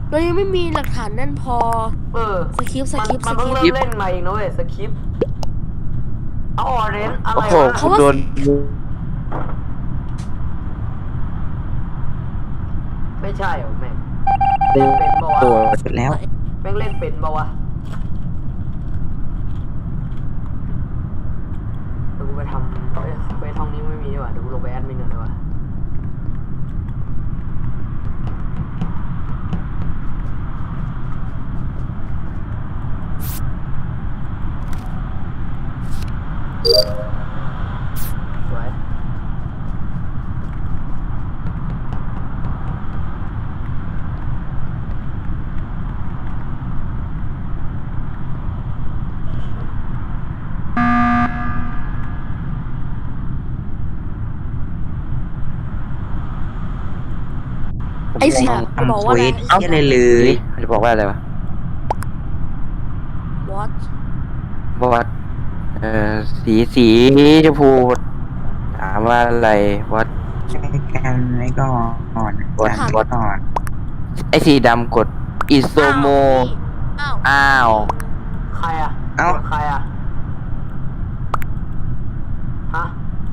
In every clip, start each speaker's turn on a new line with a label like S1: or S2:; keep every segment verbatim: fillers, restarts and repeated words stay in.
S1: เรายังไม่มีหลักฐานแน่นพอ
S2: เออ
S1: สคริปต์ส
S2: มัน
S1: คริปต์
S2: มั
S1: ส
S2: น
S1: ค
S2: เพิ่ง
S1: ริปต์
S2: เริ่มเล่นมาเองนะเว้ยสคริปต์เอาออเรนอะไร
S3: โอ้โห
S2: วะ
S3: กูโดน
S2: ไม่ใช่เหรอแม่งเล่นเป็นปะวะ
S3: โดนเสร็จแล้ว
S2: แม่งเล่นเป็นปะวะเดี๋ยวกูไปทำเฮ้ยเควสห้องนี้ไม่มีดีกว่าเดี๋ยวกูลงไปแอดมินก่อนดีกว่าสวย
S1: ไอ้เสียจะบอกว่าอะไร
S3: เอ้าอะไรเลยจะบอกว่าอะไรวะ
S1: what
S3: บอกว่าเอ่อสีสีชมพูถามว่าอะไรวัด
S4: ใช้กันไว้ก่อนวัดวัดก่อน
S3: ไอสีดำกดอิโซโม
S1: อ้าว
S3: อ้าว
S2: ใครอะ
S4: เอ้า
S2: ใครอะฮะ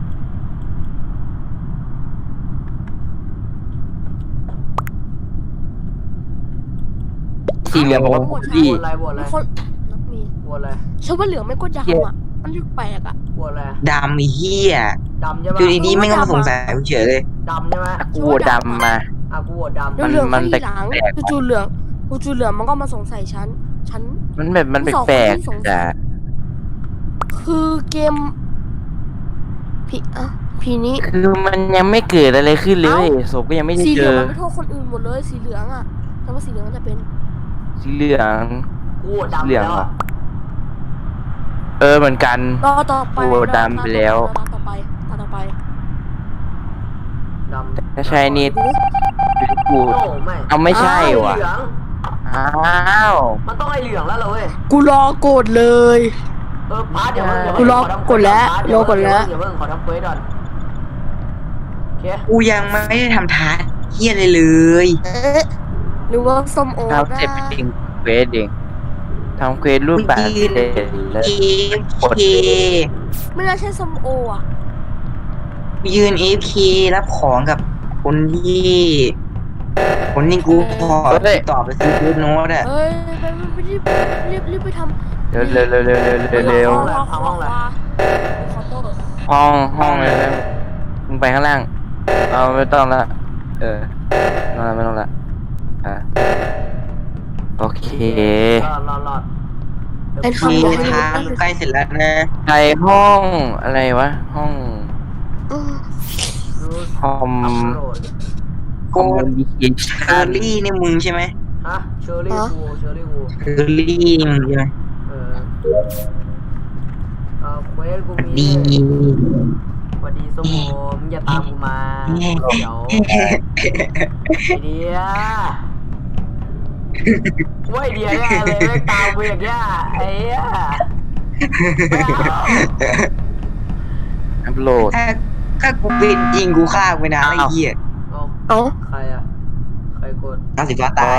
S3: สีเหลืองบอกว่า
S1: หมด
S3: ดี
S2: โหวตอะไรโหวตอะไร
S1: มีคนนักมี
S2: โหวตอะไร
S1: ฉันว่าเหลืองไม่ก็ดำอ่ะมันแปลกอ่ะ
S2: โหวตอะไร
S4: ดำไอ้เหี้ย
S2: ดำใช่ปะ
S4: อยู่ดีๆไม่ก็มาสงสัยกูเฉยเลย
S2: ดำใช่ไหม
S3: กูดำมา
S2: อ่ะกูโหวตดำ
S1: เดี๋ยวเหลือง
S3: มั
S1: ก็
S3: น
S1: ทีหลัง
S3: แปลกๆ
S1: จู่ๆเหลืองจู่ๆเหลืองมันก็มาสงสัยฉันฉัน
S3: มันแบบมัน
S1: สองคน
S3: แปลก
S1: ที่สงสัย
S3: ๆจ้ะ
S1: คือเกมพี่อ่ะพี่นี้
S3: คือมันยังไม่เกิดอะไรขึ้นเลยศพก็ยังไม่ได้
S1: สีเห
S3: เจ
S1: ลือง
S3: อ
S1: มันไม่โทษคนอื่นหมดเลยสีเหลืองอ่ะแต่ว่าสีเหลืองมันจะเป็น
S3: สีเหลือง
S2: กูโหวตดำ
S3: เหลือง
S2: แล้ว
S3: เหรอ
S2: อะ
S3: เออเหมือนกัน
S1: รอต่อไป
S3: โอ้ดำไปแล้ว
S1: รอต่อไปรอต่อไป
S2: ดำ
S3: ถ้าใช่นี่
S1: ดูดิ
S3: กู
S2: โอ้ไม่
S3: เอาไม่ใช่
S2: ไอ้
S3: ว่ะ
S2: เหลือง
S3: อ้าว
S2: มันต้องไอ้เหลืองแล้วเหรอเว้ย
S1: กูรอกดเลย
S2: เออพาร์ทเดี๋ยวเพิ่งเดี๋ยว
S1: กู
S2: เพิ่ง
S1: รอ
S2: ขทำ
S1: กดแล้ว
S2: พาร์ท
S1: รอกดแล้ว
S2: เดี๋ยวเพิ่งขอทำเควสก่อนโอเค
S4: กูยังไม่ได้ทำทาสเหี้ยอะไรเลย
S1: เอ๊ะหรือว่าส้มโอ
S3: ทำเสร็จ
S1: ได้
S3: เป็นเควสเองทำเควสรูปแบบ
S4: กูยืน
S3: เสร็จแล้ว
S4: เอฟ
S3: กด
S4: เค
S1: ไม่น่าใช่ส้มโออ่ะ
S4: ยืนเอฟเครับของกับคนที่คนที่กูขอติดต่อไปซื้อฟูดโน้ตอะ
S1: เฮ้ยไปไปรีบรีบรีบไปทำ
S3: เร็วเร็วเร็วเร็วเร็วเร็วเร็ว
S1: รอรอรอขอโทษ
S3: ห้องห้องเลยนะมึงไปข้างล่างเอาไม่ต้องละเออไม่ต้องละไม่ต้องละอ่ะโอเค
S2: รอดรอดรอด
S1: ไอ้
S4: มี
S1: คำบอกให้
S4: ทางใกล้เสร็จแล้วนะ
S3: ไปห้องอะไรวะห้อง
S1: อืม
S2: รู้
S3: คอม
S2: อัพโหลด
S3: คอมมิวนิเค
S4: เช
S3: ชั่
S4: อน รี่นี่มึงใช่ไหม
S2: ฮะเชอร์รี่วูเชอร์รี่วู
S4: เชอรี่นี่มึงใช่ไหม
S2: เออเออเควสกูมี
S4: ดี
S2: สวัสดีสมโมมึงอย่าตามกูมาเดี๋ยวไอเดียว่าไอเดียเนี่ยเลยไม่ตามกูอย่างเงี้ยไอ้เหี้ยไม่เอา
S3: อัพโหลด
S4: ถ้าถ้ากูเป็นจริงกูฆ่าไปนานไอ้เหี้ย
S2: เอา
S1: เอ้า
S2: ใครอะใครกด
S4: น้ำสีฟ้าตาย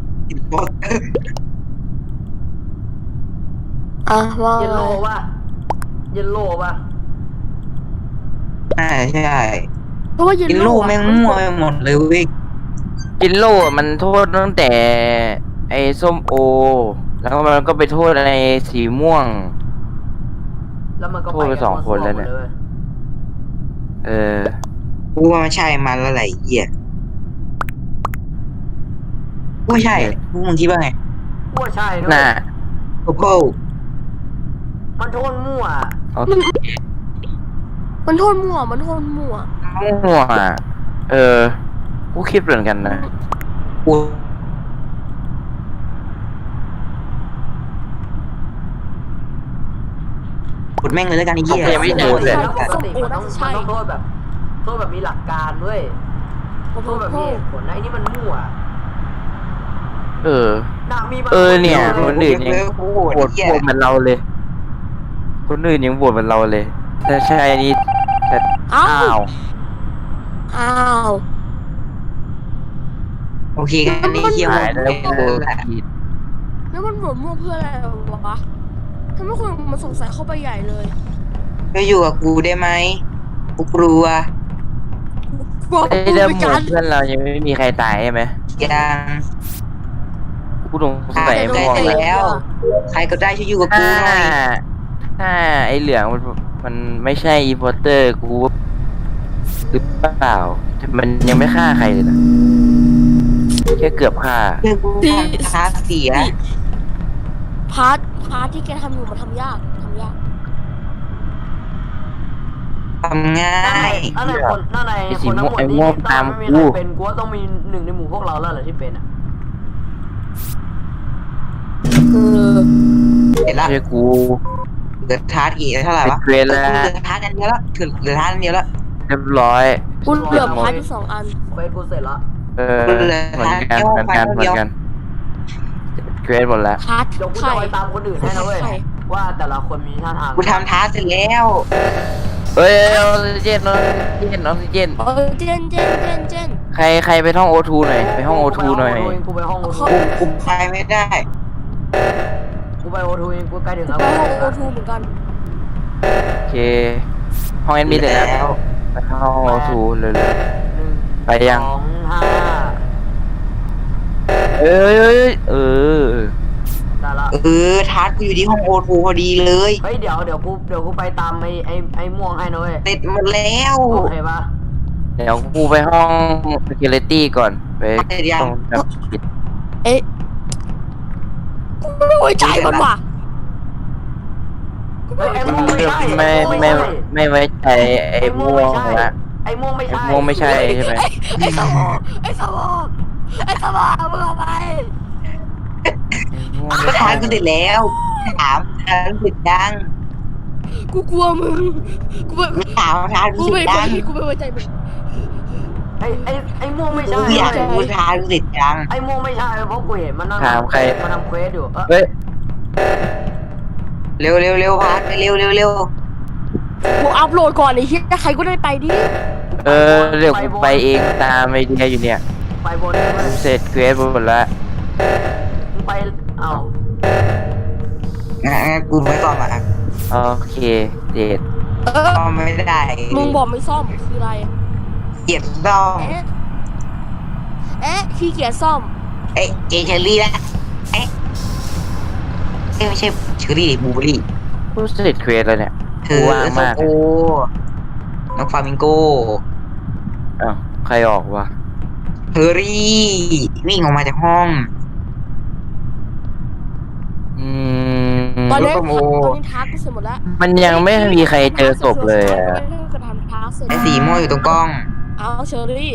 S1: อ่ะว่า
S2: เยลโล่ป่ะเยลโล่ป่ะ
S4: ใช่ใช่
S1: เพราะว่าเยล
S4: กิน
S1: โล่
S4: ลูกแม่งมั่วไปหมดเลยเว้ย
S3: กินโล่มันโทษตั้งแต่ ไอ้ส้มโอ แล้วก็มันก็ไปโทษในสีม่วง
S2: แล้วมันก็
S3: โทษไปสองคนแล้วเนี่ย
S2: ว้
S3: เออ
S4: กูว่ามันใช่มันแล้วแหละไอ้เหี้ยกูว่าใช่พวกมึงคิดว่าไง
S2: กูว่าใช่ด้วย
S3: น่ะ
S4: โอ้โห
S2: มันโทษมั่ว
S3: เอา
S1: มันมันโทษมั่วมันโทษมั่ว
S3: มั่วอ่ะเออ กูคิดเหมือนกันนะ
S4: กูกดแม่งเลยแล้วกันไอ้เหี้ย
S3: ผมยังไม่ได้โดนเลย
S2: แล้วปกติมันต้องมันต้องโทษแบบโทษแบบมีหลักการด้วย
S1: โอ้โห
S2: โทษแบบมีเหตุผลนะไอ้นี่มันมั่ว
S3: เออ
S2: น่ะมีบาง
S3: เออเนี่ย
S2: ค
S3: คนอื่นยัง
S4: กูโหวต
S3: โหว
S4: ไอ้
S3: ต
S4: เหี้ย
S3: โหวตเหมือนเราเลย คนอื่นยังโหวตเหมือนเราเลย ถ้าใช่นี่จะ
S1: อ้า
S3: อ้าว ว
S1: อ้าว
S4: โอเคกันนี่เคียว
S3: หายแล้วกู
S4: แหละ
S3: ผิด
S1: แล้วมันโหวตมั่วเพื่ออะไรวะทำให้คนมันสงสัยเข้าไปใหญ่เลย
S4: ก็อยู่กับกูได้ไหมกูกลัว
S1: กลัว
S3: ไอ้
S1: กู
S3: เรื่อง
S1: ไป
S3: หมู่
S1: กัน
S3: เพื่อนเรายังไม่มีใครตายใช่ไหม
S4: ยัง
S3: กูสงสัยไอ้ม่วง
S4: ได้
S3: แล้ว
S4: แล้ว ใครก็ได้ช่วยอยู่กับ
S3: ถ้า
S4: กูหน่อย
S3: ถ้าไอ้เหลืองมันมันไม่ใช่อีโพเตอร์กูหรือเปล่าแต่มันยังไม่ฆ่าใครเลยนะแค่เกือบฆ่า
S4: เพื่อนกูทำท้าเสีย
S1: พาร์ทพาร์ทที่แกทำอยู่มันทำยากทำยาก
S4: ทำง่า
S2: นั่นไหน
S4: ย
S2: นั่นไหนคนนั่นไหน
S3: ไอ้สี
S2: คนทั้งหมด
S3: ไอ้
S2: นี้
S3: ม่วง
S2: ถ้า
S3: ตาม
S2: ไม่มี
S3: กู
S2: ใครเป็นกูว่าต้องมีหนึ่งในหมู่พวกเราแล้วแหละที่เป็นอ่ะ
S1: เออ
S4: เสร็จละ
S3: ไม่ใช่กู
S4: เหลือท้าอีกเท่าไหร่วะ
S3: เกรดแล้ว
S4: เหลือท้าอันเดียวละถึงเหลือท้าอันเดียวละ
S3: เรียบร้อย
S1: กูเหลือพาร์ทอยู่สองอัน
S2: เฟซกูเสร็จละ
S3: เออเหมือนกันเหมือนกันเหมือนกันเกรดหมดแล้ว
S1: พาร์ท
S2: เดี๋ยวกู
S1: ไข่
S2: จะไปตามคนอื่นให้นะเว้ย
S1: ใคร
S2: ว่าแต่ละคนมีท่าทาง
S4: กูทำท้าเสร็จแล้ว
S3: เอ้ยออกซิเจนออกซิเจนออกซิเจน
S1: เออเจนเจนเจนเจน
S3: ใครใครไปห้องโอทูหน่อยไปห้องโอทูหน่อย
S2: กูไปห้องโอทู
S4: กูกูไปไม่ได้
S2: กูไปโอทูเองกูใกล้ถึงแล้ว
S1: ไปห้องโอทูเหมือนกัน
S3: โอเค ห้องแอดมินเสร็จแล้ว
S4: แล้ว
S3: ไปห้องโอทูเลยเลย
S2: หนึ่ง
S3: ไปยัง
S2: สองห้า
S3: เอ้ยเอ้ยเออ
S2: ได้ละ
S4: เออท้ากูอยู่ที่ห้องโอทูพอดีเลย
S2: เฮ้ยเดี๋ยวเดี๋ยวกูเดี๋ยวกูไปตามไอ้ไอ้ไอ้ม่วงให้นะเว้ย
S4: เสร็จหมดแล้ว
S2: โอเคปะ
S3: เดี๋ยวกูไปห้อง security ก่อนไป
S4: เสร็จยัง
S3: ต้องจับผิด
S1: เอ๊ะกูไม่ไว้ใจมันว่ะ
S2: เฮ้ยไอ้ม่วงไม่ใช่
S3: ไม่
S2: อ้
S3: ไม่
S2: ใช่
S3: ไม่ไว้ใจไอ้ม่วงละ
S2: ไอ้ม่วงไม่
S3: ไอ้
S2: ใช่
S3: ม่วงไม่ใช่ใช่ไหม
S1: ไอ้สมองไอ้สมองไอ้สมองมึงเอาไป
S3: ไอ้ม่วง
S4: ก็
S3: ไม่
S4: ท้า
S3: ใช่
S4: กูเสร็จแล้วถามท้ากูเสร็จยัง
S1: กูกลัวมึงกูไม่
S4: ถามท้ากู
S1: กู
S4: เส
S1: ไม่
S4: ร็จ
S1: ไว้
S4: ยัง
S1: กูไม่ไว้ใจมึง
S2: ไอ้ไอ้ไอ้ม่วงไม่ใช่
S4: กูอยากรู้ท้ากูเสร็จยัง
S2: ไอ้ม่วงไม่ใช่เพราะกูเห็นมันนั่ง
S3: ถามใคร
S2: มันทำเควสอยู่เออ
S3: เฮ้ย
S4: เร็วเร็วเร็วพาไปเร็วเร็วเร็ว
S1: กูอัพโหลดก่อนไอ้เหี้ยใครก็ได้ไปดิ
S3: เออเดี๋ยวกูไปเองตามไอเดียอยู่เนี่ย
S2: ไปบนเลยเว้ย
S3: เสร็จเกรดหมดแล้ว
S2: มึงไปเอ้า
S4: งั้นงั้นกูไม่ซ่อมอ่ะ
S3: โอเคเด็ด
S1: เออ
S4: ซ่อมไม่ได้
S1: มึงบอกไม่ซ่อมคืออะไร
S4: เกียดซ่อม
S1: เอ๊ะเอ๊ะขี้เกียจซ่อม
S4: เอ๊ะเจเชอรี่ละเอ๊ะเอ๊ะไม่ใช่เชอรี่บูเบอรี่
S3: กูเสร็จเกรดแล้วเนี่ย
S4: เธอ
S3: ว่างมาก
S4: โอ้น้องฟามิงโก
S3: อ้าวใครออกวะ
S4: เฮอรี่วิ่งออกมาจากห้อง
S3: อืม
S1: ตอนนี้
S4: โอ้โห
S1: ตอนนี้ทักกูเสร็จหมดแล้ว
S3: มันยังไม่มีใครเจอศพเลยอะ
S1: ไม่ได้กระทำทักเสร็จ
S4: ไอ้สีม่วงอยู่ตรงกล้อง
S1: เอาเชอรี่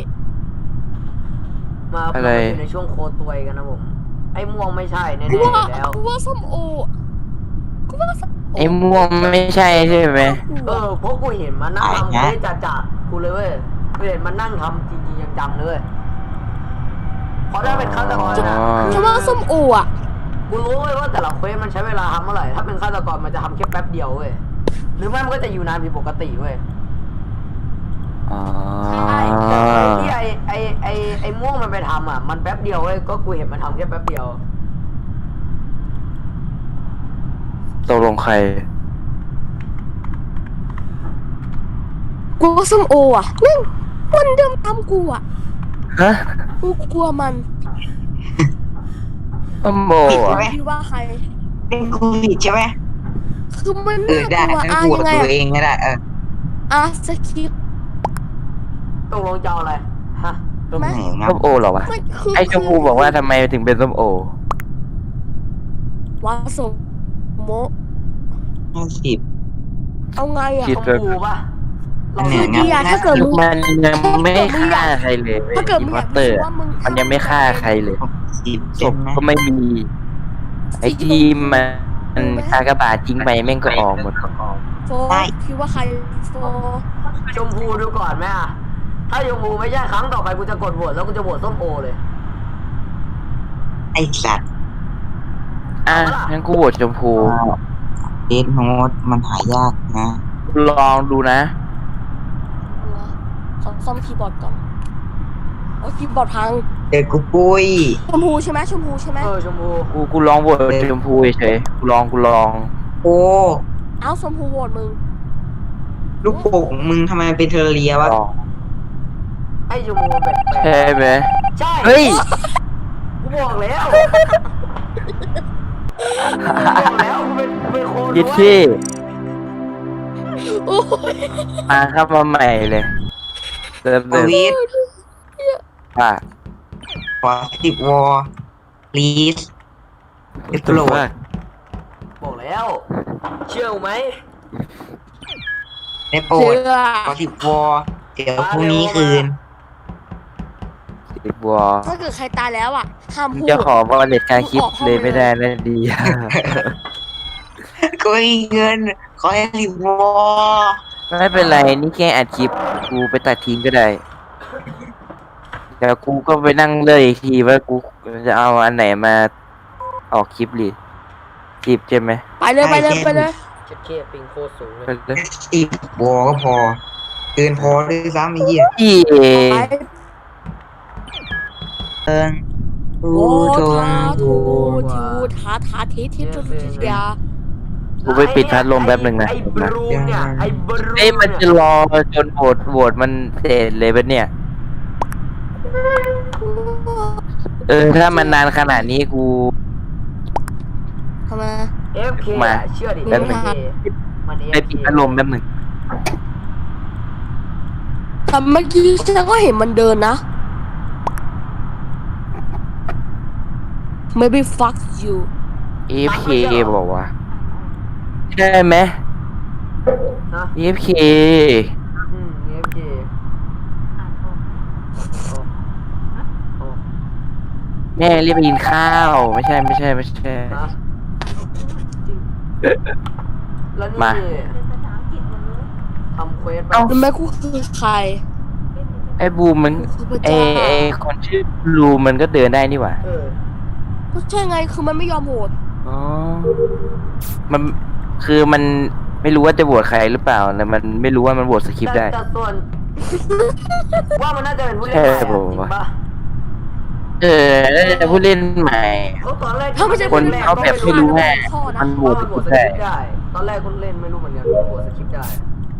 S2: มามาอยู่ในช่วงโคตรวยกันนะผม ไอ้ม่วงไม่ใช่แน่ๆอ
S1: กู
S2: ยู่
S1: ว่า
S2: แล้ว
S1: กูว่าส้มโอกูว่าส้มโอ
S3: ไอ้ม่วงไม่ใช่ใช่ไหม
S2: เออเพราะกูเห็นมันนั่งทำเควสจ่าจ่ากูเลยเว้ยกูเห็นมันนั่งทำจริงๆจังๆเลยเว้ยเพราะถ้าเป็นฆาตกรนะ
S1: ฉันว่าส้มโออ่ะ
S2: กูรู้เว้ยว่าแต่ละเควสมันใช้เวลาทำเท่าไหร่ ถ้าเป็นฆาตกรมันจะทำแค่แป๊บเดียวเว้ย หรือไม่มันก็จะอยู่นานผิดปกติเว้ย
S3: อ๋อ
S1: ใช่
S2: ที่ไอไอไอไอม่วงมันไปทำอ่ะ มันแป๊บเดียวเว้ย ก็กูเห็นมันทำแค่แป๊บเดียว
S3: ตกลงใคร
S1: กูว่าส้มโออ่ะนั่งมันเดิมตามกูอ่ะ
S3: ฮะ
S1: กูกลัวมัน
S3: ต้มโบ
S4: ผิด
S3: อ่ะ
S4: ไหม
S1: คิดว่าใคร
S4: เป็นกูผิดใช่ไหม
S1: คือมัน
S4: เออได้
S1: น่ากลัว
S4: งั้น
S1: อ่ะ
S4: กู
S1: ยังไง
S4: กับตัว
S1: อ่ะ
S4: เองก็ได้เออ
S1: อ่ะสคริปต์
S2: ตกลงจะเอาอะไร ฮะ
S4: ตรงไหนงั
S3: ส้มโอเหรอวะ
S1: มันคือ
S3: ไอ้ชมพูบอกว่าทำไมถึงเป็นส้มโอ
S1: ว่าสมโม
S4: ห้าสิบ
S1: เอาไงอ่ะ
S3: คิด
S2: ชมพูป่ะเรา
S4: เนี่
S1: คื
S4: ย
S1: อดีอ่ะถ้าเกิดมึง
S3: มันยังไม่ฆ่าใครเลยเว้ย
S1: ถ้าเกิด
S3: อี
S1: มึง
S3: พ
S1: อ
S3: อต
S1: ยาก
S3: เตอร์
S1: รู้ว่ามึง
S3: มันยังไม่ฆ่าใครเลย
S4: สิบ
S3: ศพก็ไม่มี ไอ้ทีมมันอากาบาตจริงไปแม่งก็ออกหมด
S1: โฟคิดว่าใครโฟ
S2: ชมพูดูก่อนไหมอ่ะ ถ้าชมพูไม่ใช่ครั้งต่อไปกูจะกดโหวตแล้วกูจะโหวตส้มโอเลย
S4: ไอ้สัตว์
S3: อ่ะงั้นกูโหวตชมพู
S4: เดดโนดมันหายากนะ
S3: ลองดูนะ
S1: ขอซ่อมคีย์บอร์ดก่อนเอาคีย์บอร์ดพัง
S4: เด็กกูปุ้ย
S1: ชมพูใช่ไหมชมพูใช่ไหม
S2: เออชมพู
S3: กูกูลองโหวตชมพูเฉยๆกูลองกูลอง
S4: โอ้
S1: เอ้าชมพูโหวตมึง
S4: ลูกโป่งมึงทำไมมันเป็นเทอร์เรียวะ
S3: ลอง
S2: ไอ้ชมพูแปลก
S3: ใช่ไหม
S2: ๆใช่
S3: เฮ้ย
S2: กูบอกแล้วกูบอกแล้วกูเป็นกูเป็นคน
S3: ยิด
S2: ด้วย
S3: ที่
S1: โอ้ย
S3: มาเข้ามาใหม่เลยเติม
S4: ป
S3: เติม
S4: วิท
S3: ว่า
S4: ขอสิบวอลีสเอฟโหลด
S2: บอกแล้ว เชื่อกูไหม
S4: ได้โปร
S1: เชื่
S4: ด
S1: อ
S4: ขอสิบวอเดี๋ยวพรุ่งนี้คืน
S3: สิบวอ
S1: ถ้าเกิดใครตายแล้วอ่ะห้ามพูด
S3: จะขอว่าเน็ตการคลิปเลยไม่ได้นะดี
S4: ก็มีเงิน ขอให้สิบวอ
S3: ไม่เป็นไรนี่แค่อัดคลิปกูไปตัดทิ้งก็ได้เดี๋ยวกูก็ไปนั่งเลือกอีกทีว่ากูจะเอาอันไหนมาออกคลิปหรือสิบใช่ไหม
S1: ไปเลยไปเลยไปเลย
S2: เช็ดเคปิงโคตรสูงเลย
S3: ไปเลย
S4: สิบวอก็พอ เกินพอด้วยซ้ำไอ้เหี้ย
S3: พี่
S1: ไป
S4: เอิงทู
S1: โอ้
S4: ทง
S1: ทา
S4: ทู
S1: ทูทูทาทาทิทิทุทิทยา
S3: กูไปปิดพัดลมแป๊บหนึ่งนะ
S2: ไอ้บรูมเนี่ยไอ้บรูม
S3: เอ้ยมันจะ
S2: เนี่ย
S3: รอจนโหวตโหวตมันเสร็จเลยปะเนี่ย เออถ้ามันนานขนาดนี้กู
S1: ทำไม
S2: เอฟเค
S3: มา
S2: เชื่อดิ
S1: แป๊บนึ
S2: เอง ฟเคมันเอ
S3: ไป
S2: ฟ
S3: ปิด
S2: เค
S3: พัดลมแป๊บหนึ่ง
S1: แต่เมื่อกี้ฉันก็เห็นมันเดินนะ maybe fuck you
S3: เอฟเคบอกว่าใช่ไหม
S2: นะ
S3: เอฟเค
S2: อืมเอฟเคโอ้
S3: แม่เรียกไปกินข้าว ไม่ใช่ไม่ใช่ไม่ใช่
S2: นะจริงแล้วนี่
S3: มา
S2: ทำเควสไป
S3: เอ้า
S1: รู้ไหมกูคือใคร
S3: ไอ้บูมมัน
S1: กูคือพระ
S3: ไอ้
S1: เจ้า
S3: ไอ้คนชื่อบูมมันก็เดินได้นี่หว่า
S2: เออ
S1: ก็ใช่ไงคือมันไม่ยอมโหวต
S3: อ๋อมันคือมันไม่รู้ว่าจะโหวตใครหรือเปล่าแต่มันไม่รู้ว่ามันโหวตสคริปต์ได้
S2: แต่แต่ส่วน ว่ามันน่าจะเป็นผู้เล่น
S3: ใช่
S2: ใหม่อะ
S3: ผม
S2: จริง
S3: ว่า
S2: ปะ
S3: เออแล้วแต่ผู้เล่นใหม่
S2: เขาตอนแรก
S1: ถ้าไม่ใช่
S3: คน
S1: ผู้ล่
S3: เขาแบบไม่รู้ไง
S1: ข้อนะ
S3: มันโหว
S2: ว่า
S3: ต
S2: มันโหวตส
S3: ได้
S2: คริปต์ได้ ตอนแรกคนเล่นไม่รู้เหมือนกันว่าโหวตสคริปต์ได้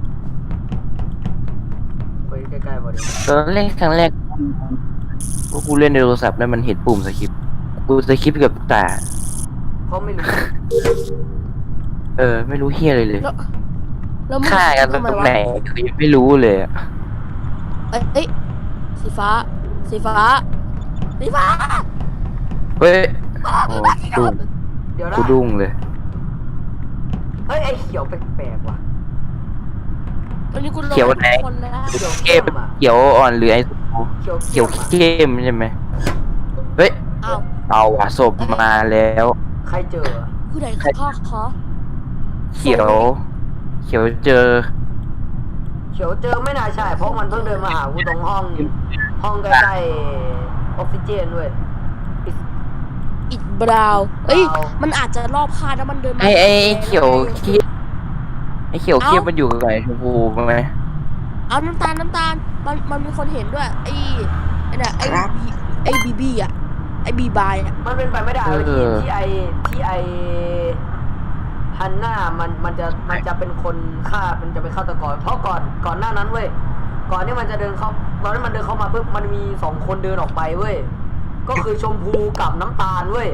S2: ไปใกล้ๆพอดี
S3: ตอนเล่นครั้งแรกพวกกูเล่นในโทรศัพท์แล้วมันเห็นปุ่มสคริปต์กูสคริปต์กับตา
S2: เพราะไม่รู้
S3: เออ ไม่รู้เฮียอะไรเลย
S1: แล้วแล้วมึง
S3: ฆ่ากันต
S1: ทำไม
S3: รง
S1: วะ
S3: ไหนคือยังไม่รู้เลยอะ
S1: เอ้ยเอ้ยสีฟ้า สีฟ้า สีฟ้า
S3: เฮ้ยโอ้ดุ้ง
S2: เดี๋ยวนะ
S3: กูดุ้งเลย
S2: เฮ้ยไอ้เขียวแปลกๆว่ะ
S1: ตอนนี้กูลง
S3: เขียวไหน
S1: คนแล้ว
S2: เขียว
S3: เกมเขียวอ่อนหรือไอ้
S2: เขียว
S3: เขียว
S2: อะ
S3: เข้มใช่ไหมเฮ้ย
S1: อ้าว
S3: เอาว่ะศพมาแล้ว
S2: ใครเจอ
S1: คือไหนคือพ่อขอ
S3: เขียว เขียวเจอ
S2: เขียวเจอไม่น่าใช่ เพราะมันเพิ่งเดินมาหากูตรงห้อง ห้องใกล้ๆออกซิเจนด้วย
S1: อิดบราวน์เอ้ย
S2: บราวน์
S1: มันอาจจะรอบคาดแล้วมันเดินมา
S3: ไอ้ไอ้เขียวเข้มไอ้เขียวเข้มมันอยู่กับไอ้ชมพูไหม
S1: เอาน้ำตาลน้ำตาล มันมันมีคนเห็นด้วย ไอ้ไอ้เนี่ยไอ้
S4: ครับ
S1: บีไอ้บีบีอ่ะ ไอ้บีบายอ่ะ
S2: มันเป็นไปไม่ได้เลยที่ที่ไอที่ไอฮันน่ามันมันจะมันจะเป็นคนฆ่ามันจะเป็นฆาตกร เพราะก่อนก่อนหน้านั้นเว้ยก่อนที่มันจะเดินเข้าตอนที่มันเดินเข้ามาปุ๊บมันมีสองคนเดินออกไปเว้ยก็คือชมพูกับน้ำตาลเว้ย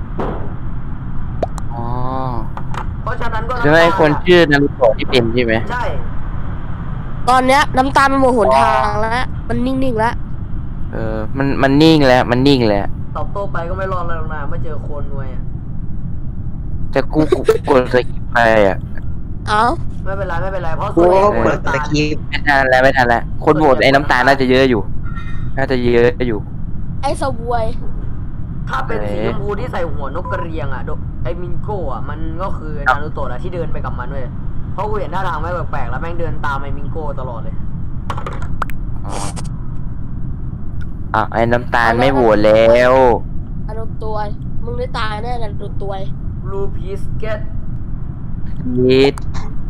S3: อ๋อ
S2: เพราะฉะนั้นก็
S3: ใช่ไหมไอ้คนชื่อนารุโตะที่เป็นใช่ไหม
S2: ใช่
S1: ตอนเนี้ยน้ำตาลมันหมดหนทางแล้ว มันนิ่งๆแล้ว
S3: เออ มันมันนิ่งแล้ว มันนิ่งแล้ว
S2: ตอบโต้ไปก็ไม่รอดแล้วนะไม่เจอโคนนวยอะ
S3: แต่กูกูกดสกิปไปอ่ะ
S1: เอ้า
S2: ไม่เป็นไรไม่เป็นไรเพราะ
S4: กู
S2: ส่วนใหญ่
S4: ก็
S2: เป็น
S4: เปิด
S2: น้ำตา
S4: ตะ
S2: ล
S4: กี้
S3: ไม่ทันแล้วไม่ทันแล้วคนโหวตไอ้น้ำตาลน่าจะเยอะอยู่ น่าจะเยอะอยู่
S1: ไอ้สววย
S2: ถ้าเป็นสีชมพูที่ใส่หัวนกกระเรียงอ่ะโดไอมิงโก้อ่ะมันก็คือนารูโตะแหละที่เดินไปกับมันเว้ยเพราะกูเห็นท่าทางไม่แปลกๆแล้วแม่งเดินตามไอมิงโก้ตลอดเลย
S3: อ๋ออ่ะไอ้น้ำตาลไม่โหวตแล้ว
S1: อารมณ์ตัว มึงได้ตายแน่เลยดูตัว
S2: Blue Peace Get
S3: ยิด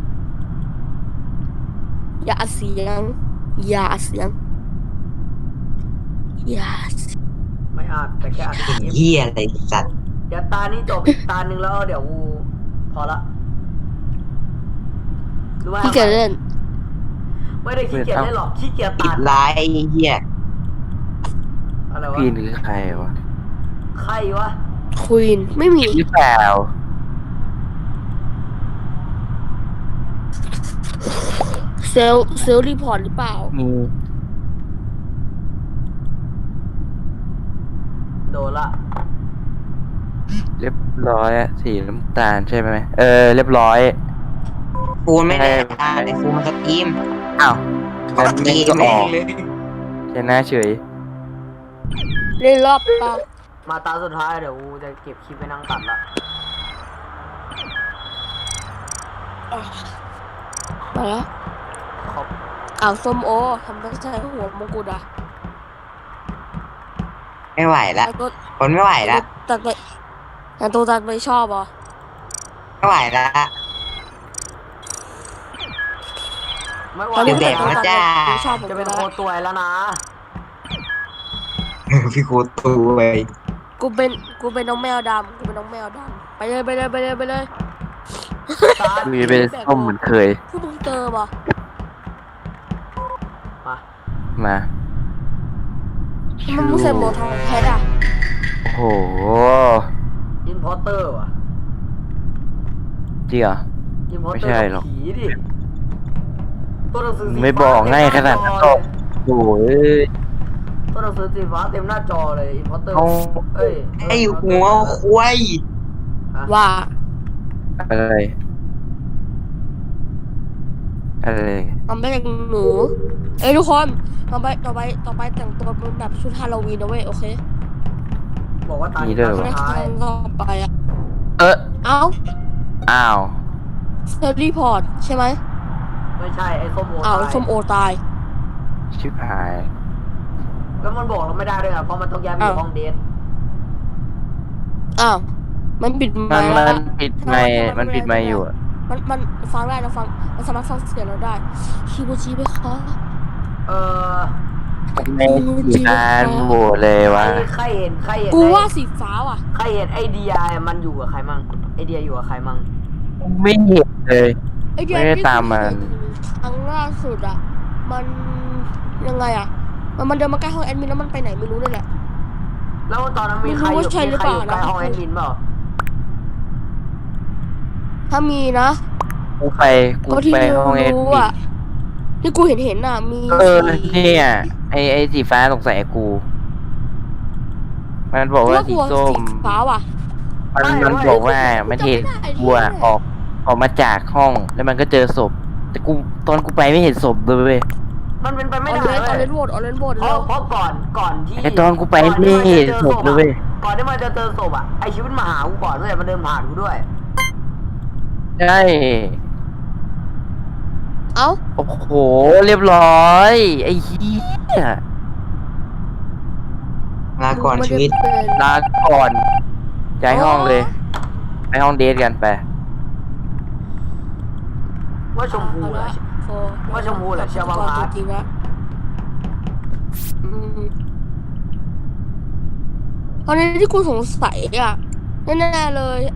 S1: อย่าอัดเสียง อย่าอัดเสียง อย่าอัดเสียง
S2: ไม่อาจแต่แค่อาจจะ
S4: เป็น
S2: เงียบ
S4: เหี้ยอะไรสัตว์
S2: เดี๋ยวตานี้จบอีกตาหนึ่งแล้วเดี๋ยวกูพอละรู้ไหม
S1: พี่เกียจเล่น
S2: ไม่ได้ขี้เกียจเล่นหรอกขี้เกียจ
S4: ปิ
S2: ตั
S4: ด
S2: ด
S4: ไลน์ไอ้เหี้ย
S2: อะไรวะ
S3: พีนคือใครวะ
S2: ใครวะ
S1: ควีนไม่มี
S3: หรือเปล่า
S1: เซลล์เซลล์รีพอร์ตหรือเปล่า
S3: มี
S2: โดนละ
S3: เรียบร้อยอะสีน้ำตาลใช่ไหมเออเรียบร้อย
S4: ฟูนไม่ได้อ่านเลยฟูนมันสตรีม
S3: อ้าวงั้น
S4: สต
S3: แม่
S4: รี
S3: ง
S4: ม
S3: ก็อ
S4: แม่
S3: อง ก
S4: เลย
S3: ชนะเฉย
S1: เล่นรอบเปล่า
S2: มาตาสุดท้ายเดี๋ยวกูจะเก็บคลิปไปนั่งตัดละ
S1: มาแล้ว
S2: ขอบ
S1: อ้าวส้มโอทำไมใช้หัวมงกุฎอ่ะ
S4: ไม่ไหวละ
S1: ไอ้ตัว
S4: คนไม่ไหวละ
S1: ตัดไปแต่ตัวตัดไปชอบเหรอ
S4: ไม่ไหวละ
S2: ไม่ไหว
S1: ตอนนี้
S4: เด็กๆ
S1: ตัว
S4: นะ
S1: ตัด
S4: จ้า
S1: ไปชอบผม
S2: จะเป็น
S1: แล้ว
S2: โคตัวยแล้วนะ
S4: พี่โคตรตูไป
S1: กูเป็นกูเป็นน้องแมวดำกูเป็นน้องแมวดำไปเลยไปเลยไปเลยไปเลย
S2: ตา
S3: มีเป็นส้มเหมือนเคย
S1: พูดมึงเจอปะ
S2: มา
S3: มา
S1: มันมึงใส่หมวกทองแพทอ่ะ
S3: โอ้โห
S2: อินพอร์เตอร์ว่ะ
S3: จริงเหรอ
S2: อินพอร์
S3: ไม่
S2: เตอ
S3: ใช่
S2: ร์
S3: หรอก
S2: ผีดิตัวหนังสือสี
S3: ไม่บอกง่ายขนาดนั้นหรอก โอ้ย
S2: ตัวหนังสือสีฟ้าเต็มหน้าจอเลยอินพอร์เตอร์
S3: เอา
S2: เอ้ย
S4: ไอ้หัวควาย
S1: ว่า
S3: อะไร อะไร
S1: ทำไปจากหนูเอ้ยทุกคนต่อไปต่อไปต่อไปแต่งตัวเป็นแบบชุดฮาโลวีนนะเว้ยโอเค
S2: บอกว่าตา
S3: มี
S2: นี้
S3: ด้วย
S2: ตา
S3: เหร
S2: สุ
S3: อ
S2: ดท้าย
S1: ต่อไปอ่ะ
S3: เออ
S1: เอ้า
S3: อ้าว
S1: เซอร์รีพอร์ตใช่ไหม
S2: ไม่ใช่ไอ้ส้มโอ
S1: อ้าว
S2: ตาย
S1: ส้มโอตาย
S3: ชิบหาย
S2: แล้วมันบอกเราไม่ได้ด้วยอ่ะเพราะมันต้องย้ายไปอยู่
S1: อ้าว
S2: ห้องเดท
S1: อ้าวมันปิดไม
S3: มัน
S1: ค์
S3: มั
S1: แล้ว
S3: นปิดไม่มันปิดไม่อยู่อะ
S1: มันมันฟังได้นะฟังมันสามารถฟังเสียงเราได้คิโมจิไหมคะ
S2: เออ
S3: ไม่มีการโหวตเลยวะ
S2: ใครใครเห็นใครเห็น
S1: กู
S2: ไอ้
S1: ว่าสีฟ้าว่ะ
S2: ใครเห็นไอเดียมันอยู่กับใครมั่งไอเดียอยู่กับใครมั่ง
S3: ไม่เห็นเลย
S1: ไอเดีย
S3: ไม่ได้
S1: ที่
S3: ตามมัน
S1: ครั้งล่าสุดอ่ะมันยังไงอ่ะมันมันเดินมาใกล้ห้องแอดมินแล้วมันไปไหนไม่รู้เลยแหละ
S2: แล้วตอนนั้นมีใครอ
S1: ไม่รู้
S2: ยู่
S1: ว่าใช่หรือ
S2: มีใครอยู่
S1: เปล่า
S2: ใกล้
S1: นะ
S2: ห้องแอดมินเปล่า
S1: ถ้ามีนะ
S3: กูไปกู
S1: ก็ที่
S3: ไปห้องเอ็ด
S1: รู้
S3: มิ
S1: อ่ะที่กูเห็นเห็นอ่ะมี
S3: เออ
S1: สี
S3: เนี่ยไอไอสีฟ้าสงสัยกู มันบอกว่า
S1: กู
S3: สี
S1: ว่า
S3: ส้ม
S1: สีฟ้าว่ะ
S3: มันมันบอกว่ามันเห็นกูอะออกออกมาจากห้องแล้วมันก็เจอศพ แต่กูตอนกูไปไม่เห็นศพเลยเว้ย
S2: มันเป็นไป
S1: อ
S2: ไม่
S1: อ
S2: ได้
S1: เรนออ
S2: เว้
S1: เร
S2: ย
S1: นโหวตออเรนโหวต
S2: เพ
S1: แล้
S2: ราะ
S1: ว
S2: เพราะก่อนก่อนที่
S3: ไอตอนกูไปไม่เห็นศพเลยเว้ย
S2: ก่อนที่มันจะเจอศพอ่ะไอชีวิตมาหากูก่อนเว้ยมันเดินผ่านกูด้วย
S3: ใช่
S1: เอ้า
S3: โอ้โห เรียบร้อย ไอ้เหี้ย
S4: ลาก่อนชีวิต
S1: ไม่ได้เป็น
S3: ลาก่อนย้ายห้องเลย ไปห้องเดทกันไป
S2: ว่าชมพูเหรอ
S1: โฟ
S2: ว่าชมพูเหรอเชียร์บางพาร์ท
S1: จริงๆนะอืมตอนนี้ที่กูสงสัยอ่ะแน่ๆเลย